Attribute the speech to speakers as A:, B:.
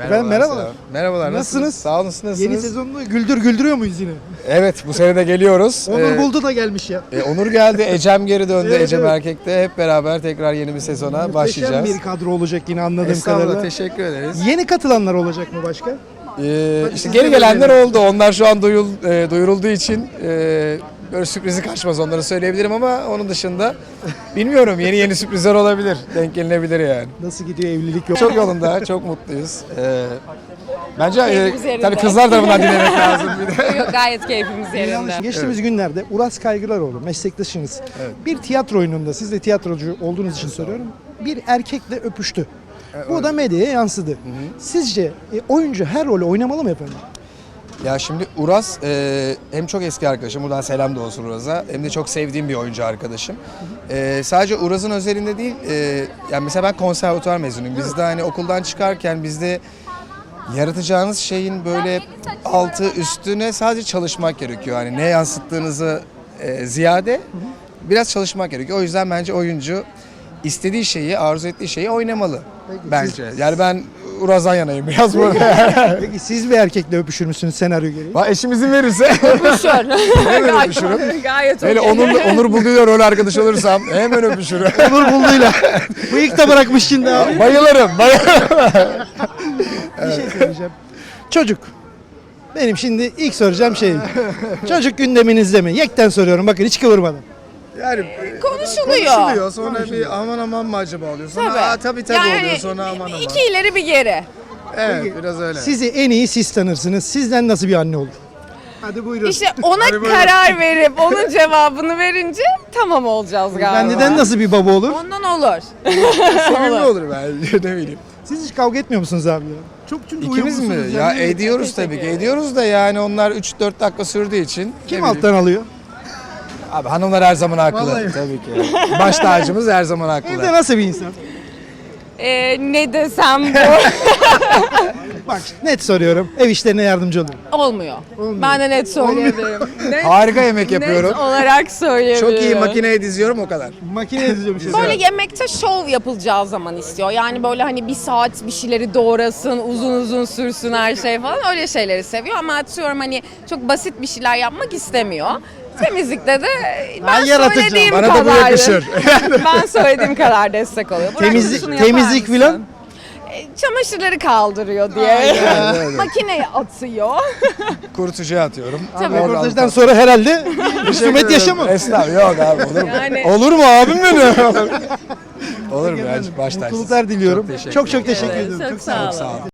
A: Efendim merhabalar.
B: Merhabalar.
A: Nasılsınız?
B: Sağ olun. Nasılsınız?
A: Yeni sezonda güldürüyor muyuz yine?
B: Evet, bu sene de geliyoruz.
A: Onur Buldu da gelmiş ya.
B: Onur geldi, Ecem geri döndü.
A: Evet,
B: Ecem
A: evet.
B: Erkek'te hep beraber tekrar yeni bir sezona başlayacağız.
A: Muhteşem bir kadro olacak yine anladığım
B: Estağfurullah,
A: kadarıyla.
B: teşekkür ederiz.
A: Yeni katılanlar olacak mı başka?
B: İşte
A: siz
B: geri
A: de
B: gelenler
A: böyle-
B: oldu. Onlar şu an duyurulduğu için böyle sürprizi kaçmaz, onları söyleyebilirim ama onun dışında bilmiyorum, yeni sürprizler olabilir. Denk gelinebilir yani.
A: Nasıl gidiyor evlilik yok?
B: Çok yolunda, çok mutluyuz. Bence
C: Keyfimiz yerinde.
B: tabii kızlar tarafından dinlemek lazım bir de.
C: Yok, gayet keyfimiz yerinde.
A: Geçtiğimiz günlerde Uras Kaygılaroğlu meslektaşınız bir tiyatro oyununda, siz de tiyatrocu olduğunuz için soruyorum, bir erkekle öpüştü. Bu da medyaya yansıdı. Sizce oyuncu her rolü oynamalı mı efendim?
B: Ya şimdi Uras hem çok eski arkadaşım, buradan selam da olsun Uras'a, hem de çok sevdiğim bir oyuncu arkadaşım. Sadece Uras'ın özelinde değil, yani mesela ben konservatuvar mezunuyum. Biz de hani okuldan çıkarken bizde yaratacağınız şeyin böyle altı üstüne sadece çalışmak gerekiyor. Hani ne yansıttığınızı ziyade biraz çalışmak gerekiyor. O yüzden bence oyuncu istediği şeyi, arzu ettiği şeyi oynamalı bence. Yani ben Uraz'dan yanayım biraz burada.
A: Peki siz bir erkekle öpüşür müsünüz senaryo gereği?
B: Eşim izin verirse hemen öpüşürüm.
C: Gayet
B: Hele
C: okey.
B: Onur Buldu'yla rol arkadaş olursam hemen öpüşürüm.
A: Onur Buldu'yla. Bıyık da bırakmış şimdi abi.
B: Bayılırım.
A: Bir şey söyleyeceğim. Çocuk. Benim şimdi ilk soracağım şey. Çocuk gündeminizde mi? Yekten soruyorum bakın hiç kıvırmadan.
B: Yani
C: Konuşuluyor.
B: sonra bir aman mı acaba oluyor. Sonra
C: Tabii.
B: tabii
C: Yani
B: oluyor, sonra aman.
C: İki ileri bir geri.
B: Evet, biraz öyle.
A: Sizi en iyi siz tanırsınız. Sizden nasıl bir anne olur? Hadi buyurun.
C: İşte ona
B: Hadi buyurun.
C: karar verip onun cevabını verince tamam olacağız galiba.
A: Benden nasıl bir baba olur?
C: Ondan olur.
B: Sevimli olur bence, ne bileyim.
A: Siz hiç kavga etmiyor musunuz abi ya? Çok çünkü
B: İkimiz mi?
A: uyumlusunuz
B: Ya
A: yani.
B: ediyoruz tabii ki. Ediyoruz da yani onlar 3-4 dakika sürdüğü için.
A: Kim
B: ne bileyim.
A: alttan alıyor?
B: Abi hanımlar her zaman haklı.
A: Vallahi.
B: Tabii ki. Baş tacımız her zaman haklı.
A: Evde nasıl bir insan?
C: Ne desem bu
A: Bak net soruyorum. Ev işlerine yardımcı olur.
C: olmuyor. Ben de net söyleyebilirim. Net,
B: Harika yemek yapıyorum.
C: net olarak söyleyebilirim.
B: Çok iyi makineye diziyorum, o kadar.
A: Makine edeceğim şey.
C: Böyle yemekte şov yapılacağı zaman istiyor. Yani böyle hani bir saat bir şeyleri doğrasın, uzun sürsün her şey falan, öyle şeyleri seviyor. Ama atıyorum hani çok basit bir şeyler yapmak istemiyor. Temizlikte de ben
A: yaratıcı.
C: söylediğim
B: Bana da bu
C: kadar.
B: yakışır.
C: Ben söylediğim kadar destek oluyor. Burak, şunu yapar
A: Temizlik
C: mısın?
A: filan.
C: Çamaşırları kaldırıyor diye. Makineye atıyor.
B: Kurutucuya atıyorum.
C: Tabii.
B: Oradan-
A: Röportajdan sonra herhalde husumet yaşamam.
B: Estağfurullah, yok abi, olur mu?
C: Yani-
B: Olur mu abim benim? Olur mu ya, baş tacısın.
A: Mutluluklar diliyorum.
B: Çok teşekkür
A: Çok
B: ederim.
A: teşekkür ediyorum.
C: Çok sağ olun.
B: Sağ olun.